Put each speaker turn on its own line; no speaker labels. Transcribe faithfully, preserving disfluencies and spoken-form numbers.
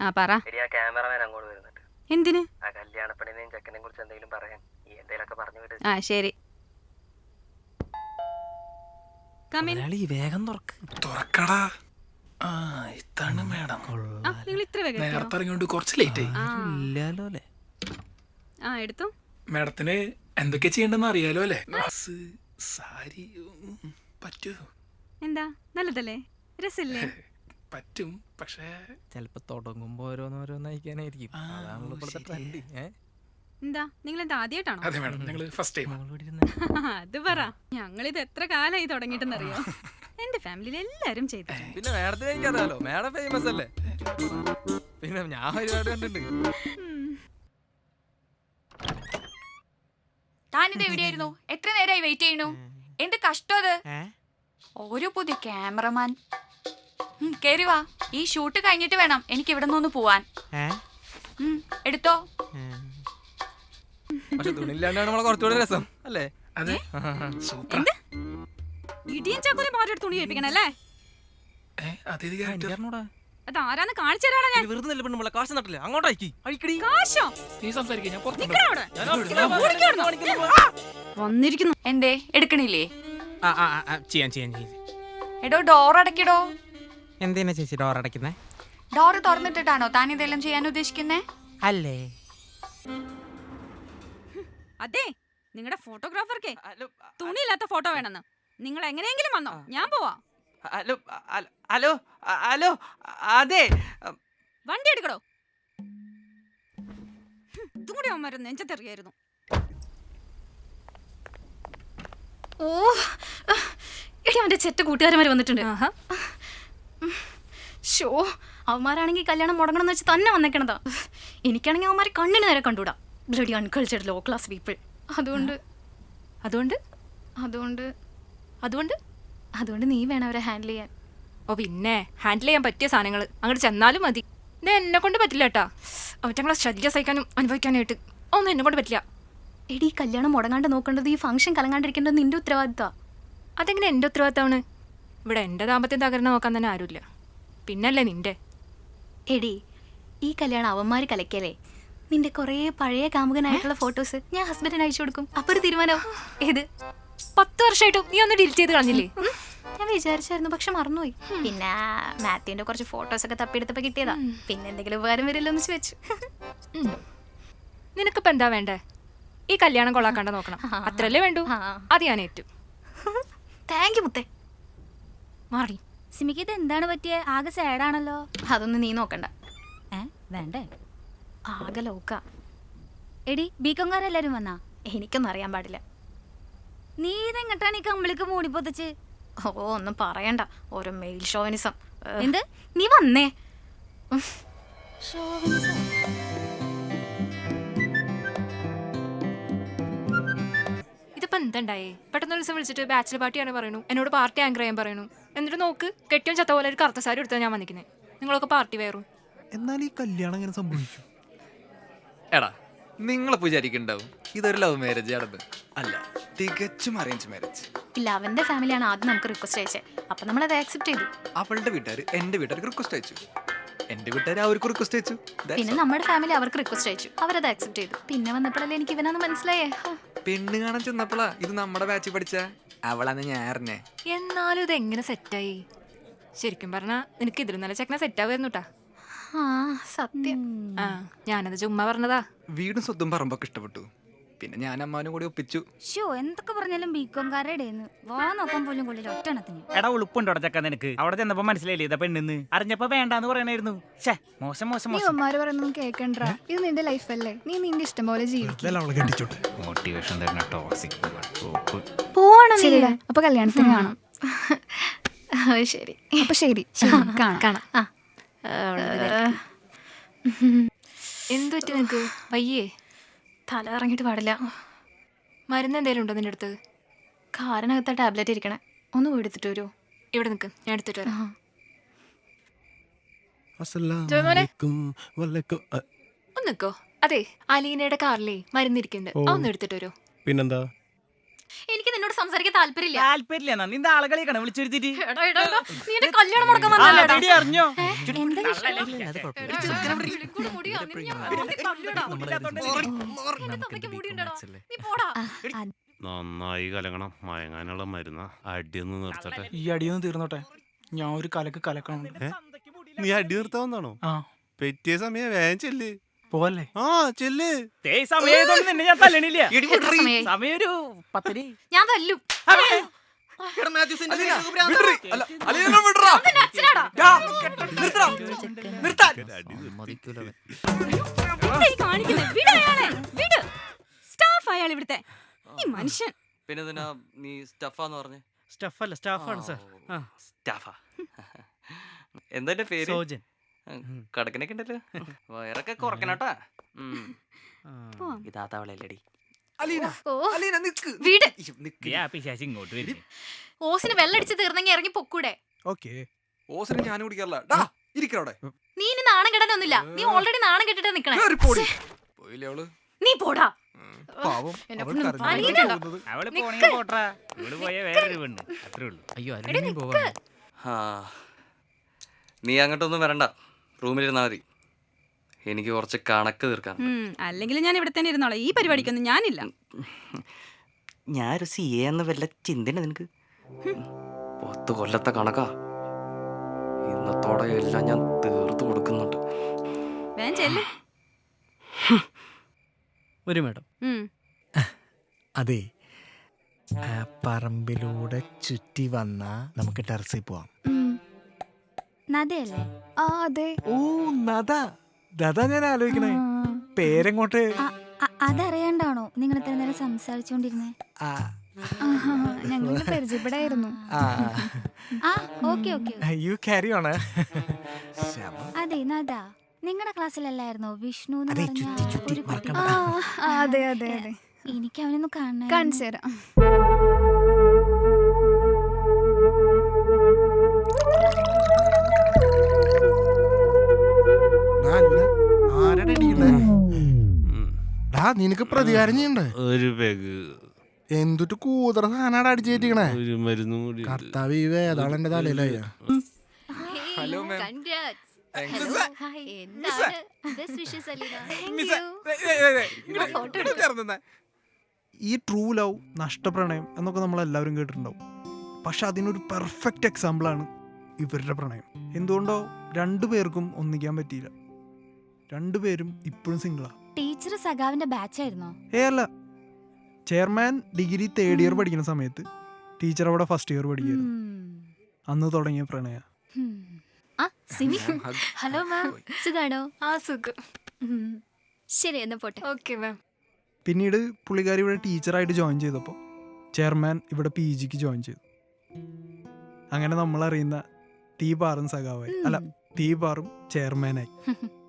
ആ പറ.
എടി ആ ക്യാമറമാൻ അങ്ങോട്ട് വരുന്നുണ്ട്.
എന്തിന്?
ആ കല്യാണപ്പെണ്ണിനെയും ചെക്കനെയും കുറിച്ച് എന്തെങ്കിലും പറയാൻ. ഈ എന്തെങ്കിലുമൊക്കെ പറഞ്ഞു വിട്.
ആ ശരി.
വേഗം തുറക്കടാ. ആ ഇതാണ് മേഡം.
നിങ്ങൾ ഇത്ര വേഗം എത്തിയോ?
നേരത്തെ ഇറങ്ങിയോണ്ട് കുറച്ച് ലേറ്റ് ആയി.
ആ.
ഇല്ലാലോ അല്ലേ?
ആ എടുത്തു.
മേഡത്തിന് എന്തൊക്കെ ചെയ്യണ്ടെന്ന് അറിയാലോ അല്ലേ? ഡ്രസ്സ്, സാരി ഉം, പറ്റൂ?
എന്താ നല്ലതല്ലേ? രസല്ലേ?
പറ്റും, പക്ഷേ
ചിലപ്പോ തുടങ്ങുമ്പോ ഓരോന്നോരോന്നയക്കാനായിരിക്കും.
ആ,
അതാണല്ലോ ഇപ്പോഴത്തെ
ശരി.
ട്രെൻഡ്.
എന്താ നിങ്ങൾ എന്താ ആദ്യമായിട്ടാണോ?
അതെ മേഡം, ഞങ്ങള് ഫസ്റ്റ് ടൈം.
അത് പറ. ഞങ്ങളിത് എത്ര കാലമായി തുടങ്ങിയിട്ടെന്നറിയോ? എന്റെ ഫാമിലിയിൽ എല്ലാരും ചെയ്തു.
പിന്നെ മേഡത്തിന് എനിക്കറിയാലോ, മേഡം ഫേമസ് അല്ലേ? പിന്നെ ഞാൻ ഒരുപാട് കണ്ടിട്ടുണ്ട്.
താനിത് എവിടെയായിരുന്നു? എത്ര നേരമായി വെയിറ്റ് ചെയ്യണു? എന്ത് കഷ്ടം അത്. ഒരു പുതിയ ക്യാമറമാൻ. കേറി വാ. ഈ ഷൂട്ട് കഴിഞ്ഞിട്ട് വേണം എനിക്ക് ഇവിടെ നിന്ന് പോവാൻ. ഉം, എടുത്തോ.
പക്ഷെ തുണിയില്ലാണ്ടാണ് നമ്മളെ കുറച്ചുകൂടെ രസം അല്ലേ?
അതെ, സൂപ്പർ.
ഇടിയും ചാക്കോലും മാറ്റി തുണി കേൾപ്പിക്കണല്ലേ? അത് ആരാന്ന് കാണിച്ചു തരാടാ ഞാൻ.
വെറുതെ നെല്ല് പെണ്ണുമ്പോൾ കാശ് നട്ടില്ലേ? അങ്ങോട്ടേക്ക് അഴിക്കടി.
കാശോ?
നീ സംസാരിക്കാൻ ഞാൻ പുറത്ത്
നിക്കടാ അവിടെ. വന്നിരിക്കുന്നു.
എന്തേ എടുക്കണില്ലേ?
ചെയ്യാൻ ചെയ്യാൻ ചെയ്യാൻ
എടോ ഡോർ അടയ്ക്കടോ.
എന്തിനാ ചേച്ചി ഡോർ അടയ്ക്കുന്നേ?
ഡോറ് തുറന്നിട്ടിട്ടാണോ താൻ ഇതെല്ലാം ചെയ്യാൻ ഉദ്ദേശിക്കുന്നേ?
അല്ലേ?
അതെ, നിങ്ങളുടെ ഫോട്ടോഗ്രാഫർക്ക് തുണിയില്ലാത്ത ഫോട്ടോ വേണമെന്ന്. നിങ്ങൾ എങ്ങനെയെങ്കിലും വന്നോ, ഞാൻ പോവാ.
ഹലോ ഹലോ ഹലോ അതെ,
വണ്ടി എടുക്കടോ. ഇതുകൂടി അവന്മാരും നെഞ്ചത്തെറിയായിരുന്നു.
ഓ എടി, അവന്റെ ചെറ്റ കൂട്ടുകാരന്മാർ വന്നിട്ടുണ്ട്. ഷോ, അവന്മാരാണെങ്കിൽ കല്യാണം മുടങ്ങണമെന്ന് വെച്ച് തന്നെ വന്നേക്കണതാ. എനിക്കാണെങ്കിൽ അവന്മാരെ കണ്ണിന് നേരെ കണ്ടുകൂടാ. Bloody uncultured low class people. അതുകൊണ്ട്
അതുകൊണ്ട്
അതുകൊണ്ട്
അതുകൊണ്ട്
അതുകൊണ്ട് നീ വേണം അവരെ ഹാൻഡിൽ ചെയ്യാൻ.
ഓ പിന്നെ ഹാൻഡിൽ ചെയ്യാൻ പറ്റിയ സാധനങ്ങൾ അങ്ങോട്ട് ചെന്നാലും മതി. ഇത് എന്നെ കൊണ്ട് പറ്റില്ല കേട്ടാ. അവറ്റങ്ങളെ ശല്യം സഹിക്കാനും അനുഭവിക്കാനായിട്ട് ഒന്നും എന്നെ കൊണ്ട് പറ്റില്ല.
എടി, കല്യാണം മുടങ്ങാണ്ട് നോക്കേണ്ടത്, ഈ ഫംഗ്ഷൻ കലങ്ങാണ്ടിരിക്കേണ്ടത് നിന്റെ ഉത്തരവാദിത്തമാണ്.
അതെങ്ങനെ എൻ്റെ ഉത്തരവാദിത്തമാണ്? ഇവിടെ എൻ്റെ ദാമ്പത്യം തകർന്ന് നോക്കാൻ തന്നെ ആരുമില്ല, പിന്നല്ലേ നിന്റെ.
എടി, ഈ കല്യാണം അവന്മാർ കലക്കല്ലേ. നിന്റെ കുറേ പഴയ കാമുകനായിട്ടുള്ള ഫോട്ടോസ് ഞാൻ ഹസ്ബൻഡിന് അയച്ചു കൊടുക്കും. അപ്പൊ ഒരു തീരുമാനം. ഏത്?
പത്ത് വർഷമായിട്ടും നീ ഒന്ന് ഡിലീറ്റ് ചെയ്ത് കളഞ്ഞില്ലേ?
ഞാൻ വിചാരിച്ചായിരുന്നു, പക്ഷെ മറന്നുപോയി. പിന്നെ മാത്യുവിന്റെ കുറച്ച് ഫോട്ടോസ് ഒക്കെ തപ്പിയെടുത്തപ്പോ കിട്ടിയതാ. പിന്നെ എന്തെങ്കിലും ഉപകാരം വരില്ലോ എന്ന് വെച്ചു.
നിനക്കിപ്പോ എന്താ വേണ്ടേ? ഈ കല്യാണം കൊള്ളാക്കാണ്ട് നോക്കണം, അത്രല്ലേ വേണ്ടൂ. അത് ഞാൻ ഏറ്റു.
താങ്ക് യു മുത്തേ.
മാറി.
സിമിക്ക് ഇത് എന്താണ് പറ്റിയ? ആകെ സാഡാണല്ലോ.
അതൊന്നും നീ നോക്കണ്ട.
ഏ വേണ്ടേ?
ആകെ ലോക്ക.
എടി, ബീക്കോങ്കാരെല്ലാരും വന്നാ?
എനിക്കൊന്നും അറിയാൻ പാടില്ല.
നീ ഇതെങ്ങട്ടാണ് ഈ കമ്പിളിക്ക് മൂടിപ്പൊത്തിച്ച്?
ഓ, ഒന്നും പറയണ്ട, ഓരോ മെയിൽ ഷോവിനിസം.
എന്ത്?
നീ വന്നേ.
ഇതിപ്പോ എന്തുണ്ടായേ? പെട്ടെന്ന് ഒരു ദിവസം വിളിച്ചിട്ട് ബാച്ചിലർ പാർട്ടിയാണ് പറയണു, എന്നോട് പാർട്ടി ആങ്കർ ചെയ്യാൻ പറയണു. എന്നിട്ട് നോക്ക്, കെട്ടിയും ചത്ത പോലെ ഒരു കറുത്ത സാരി എടുത്താൽ ഞാൻ വന്നിരിക്കുന്നത്. നിങ്ങളൊക്കെ പാർട്ടി വേറും.
എന്നാൽ ഈ കല്യാണം എങ്ങനെ സംഭവിച്ചു?
എടാ, നിങ്ങളെ വിചാരിക്കുന്നുണ്ടാവും ഇതൊരു ലവ് മാരേജ് ആണെന്ന്. അല്ല, തികച്ചും അറേഞ്ച് മാരേജ്.
ഇല്ല, അവന്റെ ഫാമിലിയാണ് ആദ്യം നമുക്ക് റിക്വസ്റ്റ് അയച്ചത്. അപ്പൊ നമ്മൾ അത് ആക്സെപ്റ്റ് ചെയ്തു.
അവളുടെ വീട്ടുകാർ എന്റെ വീട്ടുകാർക്ക് റിക്വസ്റ്റ് അയച്ചു, എന്റെ വീട്ടുകാർ അവർക്ക് റിക്വസ്റ്റ് അയച്ചു.
പിന്നെ നമ്മുടെ ഫാമിലി അവർക്ക് റിക്വസ്റ്റ് അയച്ചു, അവരത് ആക്സെപ്റ്റ് ചെയ്തു. പിന്നെ വന്നപ്പോഴല്ലേ എനിക്ക് ഇവനാന്ന് മനസ്സിലായേ.
പെണ്ണ് കാണാൻ ചെന്നപ്പോളാ ഇത് നമ്മുടെ ബാച്ചിൽ പഠിച്ച അവളാന്ന് ഞാൻ അറിഞ്ഞേ.
എന്നാലും ഇത് എങ്ങനെ സെറ്റായി? ശരിക്കും പറഞ്ഞാ നിനക്ക് ഇതിലും നല്ല ചെക്കനെ സെറ്റാവുന്നു കേട്ടാ.
ആ സത്യം.
ആ ഞാനത് ചുമ്മാ പറഞ്ഞതാ.
വീടും സ്വത്തും പറമ്പൊക്കെ ഇഷ്ടപ്പെട്ടു. പിന്നെ ഞാൻ അമ്മാനും കൂടി ഒപ്പിച്ചു.
ഷോ, എന്തൊക്കെ പറഞ്ഞാലും ബീക്കോങ്കാരുടെ വാ നോക്കാൻ പോലും കൊള്ളില്ല ഒറ്റണത്തിന്.
എടാ, ഉളുപ്പുണ്ടോ ചക്ക നിനക്ക്? അവിടെ ചെന്നപ്പോ മനസ്സിലായില്ലേ ഇതാ പെണ്ണെന്ന്? അറിഞ്ഞപ്പോ വേണ്ടാന്ന് പറയണായിരുന്നു. ഛേ, മോശം മോശം മോശം.
അമ്മമാര് പറയുന്നൊന്നും കേൾക്കണ്ട. ഇത് നിന്റെ ലൈഫല്ലേ, നീ നിന്റെ ഇഷ്ടം പോലെ ജീവിക്കും.
മോട്ടിവേഷൻ തരുന്ന ടോക്സിക്
ശരിടാ, അപ്പൊ കല്യാണത്തിന് കാണാം.
ശരി,
അപ്പൊ ശരി, കാണാം
കാണാം. എന്തു പറ്റി നിനക്ക്? വയ്യേ?
തല ഇറങ്ങിയിട്ട് പാടില്ല.
മരുന്ന് എന്തേലും ഉണ്ടോ നിന്റെ അടുത്ത്?
കാറിനകത്ത ടാബ്ലറ്റ് ഇരിക്കണേ, ഒന്ന് പോയി എടുത്തിട്ട് വരുമോ?
ഇവിടെ നിൽക്ക്, ഞാൻ എടുത്തിട്ട് വരാം. ഒന്ന് നിൽക്കോ. അതെ, അലീനയുടെ കാറിലേ മരുന്നിരിക്കുന്നുണ്ട്, അതൊന്ന് എടുത്തിട്ട് വരുമോ?
പിന്നെന്താ?
എനിക്ക് നിന്നോട് സംസാരിക്കാൻ താല്പര്യമില്ല.
താല്പര്യമില്ല എന്നാ നിന്റെ ആളുകളെയാണ് വിളിച്ചു വരുത്തിട്ട്
എടാ, എടാ, എടാ, നീ എന്റെ കല്യാണം മുടക്കാൻ വന്നല്ലേടാ.
അറിഞ്ഞോ
എന്താ വിഷയം?
കൂടെ മുടിയാ, നിന്നെ ഞാൻ വെറുതെ തല്ലുടാ. നിന്റെ തന്തയ്ക്ക് മുടിയുണ്ടെടാ. നീ പോടാ.
നന്നായി കലങ്ങണം മയങ്ങാനുള്ള മരുന്ന അടിയൊന്ന് നിർത്തട്ടെ.
ഈ അടിയൊന്നും തീർന്നോട്ടെ, ഞാൻ ഒരു കലക്ക് കലക്കണം.
നീ അടി നിർത്താവുന്നതാണോ?
ആ
പറ്റിയ സമയം വേഗം ചെല്ല്.
പോവല്ലേ?
ആ ചെല്ല്.
സമയം നിന്നെ ഞാൻ തല്ലണില്ല.
എത്ര സമയായി?
സമയം ഒരു പത്തര.
ഞാൻ തല്ലും.
എടാ മാത്യൂസിന്റെ
അലീന,
നിനക്ക് ഭ്രാന്താണോ?
വിടറി. അല്ല, അലീന വിടറാ.
അവന്റെ അച്ഛനാടാ.
ഡാ, നിർത്തടാ. നിർത്താൻ.
എന്താ ഈ കാണിക്കുന്നെ? വിട് അയാളെ, വിട്. സ്റ്റാഫ് അയാൾ ഇവിടുത്തെ. ഈ മനുഷ്യൻ.
പിന്നെ ഇതിനാ നീ സ്റ്റഫാന്ന് പറഞ്ഞേ?
സ്റ്റഫല്ല സ്റ്റാഫാണ് സാർ.
സ്റ്റാഫാ. എന്താ എന്റെ പേര്?
സോജൻ.
കടക്കനൊക്കെ ഉണ്ടല്ലോ. വയറൊക്കെ കുറക്കണട്ടാ.
പോവാം.
ഇതാത്തവളല്ലേടി.
അലീന,
ഓ,
അലീന നിക്ക്.
വീട്.
ഇയ്യോ, നിക്ക്.
ആ പിശാച് ഇങ്ങോട്ട് വരും.
ഓസിന് വെള്ളടിച്ച് തീർന്നെങ്കിൽ ഇറങ്ങി പൊക്കൂടെ.
ഓക്കെ.
ഓസിനെ ഞാൻ കുടിക്കാറില്ല. ഡാ, ഇരിക്കവിടെ.
നീ ഇനി നാണം കെടാനൊന്നുമില്ല. നീ ഓൾറെഡി നാണം കെട്ടിട്ടാ നിക്കണേ.
പോടി. പോയില്ലേ അവള്?
നീ പോടാ.
പാവം,
എന്നെ
അവൾ
കൊണ്ട്
കരഞ്ഞു.
അലീന.
അവള് പോണെങ്കിൽ പോട്ടാ. ഇവള് പോയ വേറൊരു പെണ്ണ്. അത്രേ ഉള്ളൂ.
അയ്യോ അല്ലെങ്കിൽ പോവാ.
ആ നീ അങ്ങോട്ടൊന്നും വരണ്ട, റൂമിലിരുന്നാ മതി. എനിക്ക് കുറച്ച് കണക്ക് തീർക്കാം.
ഉം, അല്ലെങ്കിൽ ഞാൻ ഇവിടെ തന്നെ ഇരുന്നോളാം. ഈ പരിപാടിക്കൊന്നും ഞാനില്ല.
ഞാനൊരു സി എ എന്ന വല്ല ചിന്തന നിനക്ക്? പത്ത് കൊല്ലത്തെ കണക്കാ. ഇന്നത്തോടെ എല്ലാം ഞാൻ തീർത്ത് കൊടുക്കുന്നുണ്ട്.
വേഗം ചെല്ല്.
ഒരു മേഡം,
ഉം.
അതെ, ആ പറമ്പിലൂടെ ചുറ്റി വന്നാ നമുക്ക് ടെറസിൽ പോവാം.
നദയല്ലേ?
ആ അതെ.
ഓ നദ, ദാ ഞാൻ ആലോചിക്കണേ. പേരെങ്ങോട്ട്?
അ- അ- അതറിയാണ്ടാണോ നിങ്ങൾ ഇത്ര നേരം സംസാരിച്ചോണ്ടിരുന്നേ?
ആ,
ഞങ്ങൾ പരിചയപ്പെടായിരുന്നു.
ആ,
ആ okay okay.
You carry on.
അതെ നദ, നിങ്ങളുടെ ക്ലാസ്സിലല്ലായിരുന്നോ വിഷ്ണു എന്ന്
അതെ,
പറഞ്ഞ
ചുറ്റി ചുറ്റി
ഒരു കുട്ടി?
മറക്കണ്ട.
ആ ആ, അതെ അതെ അതെ.
എനിക്ക് അവനൊന്ന് കാണാൻ.
കാണിച്ചു തരാം.
നിനക്ക് പ്രതികാരം ചെയ്യണ്ടേ?
ഒരു പെഗ്
എന്തുട്ട് കൂതറ സാധനം അടിച്ചേറ്റിക്കണേ.
ഒരു മരുന്നും കൂടി.
കർത്താവ് ഈ വേതാളെന്റെ തലയിലായ.
Hello ma'am.
Congrats.
Thanks.
Hello. Hi. എന്താണ്? Best wishes, Alina. Thank you.
Photo എടുക്കാം.
ഈ ട്രൂ ലവ്, നഷ്ടപ്രണയം എന്നൊക്കെ നമ്മൾ എല്ലാവരും കേട്ടിട്ടുണ്ടാവും. പക്ഷെ അതിനൊരു പെർഫെക്റ്റ് എക്സാമ്പിളാണ് ഇവരുടെ പ്രണയം. എന്തുകൊണ്ടോ രണ്ടുപേർക്കും ഒന്നിക്കാൻ പറ്റിയില്ല. രണ്ടുപേരും ഇപ്പോഴും സിംഗിളാ.
ടീച്ചർ സഖാവിന്റെ ബാച്ചായിരുന്നോ?
ഏ അല്ല, ചെയർമാൻ ഡിഗ്രി തേർഡ് ഇയർ പഠിക്കുന്ന സമയത്ത് ടീച്ചർ അവിടെ ഫസ്റ്റ് ഇയർ പഠിക്കായിരുന്നു. അന്ന് തുടങ്ങിയ പ്രണയ.
ആ സിമി. Hello ma'am.
സുഖാണോ?
ആ സുഖം.
ശരി എന്നാ പോട്ടെ.
Okay ma'am.
പിന്നീട് പുള്ളിക്കാരി ഇവിടെ ടീച്ചറായിട്ട് ജോയിൻ ചെയ്തപ്പോൾ ചെയർമാൻ ഇവിടെ പി ജിക്ക് ജോയിൻ ചെയ്തു. അങ്ങനെ നമ്മൾ അറിയുന്ന തീപാറും സഖാവായി. അല്ല, തീപാറും ചെയർമാനായി.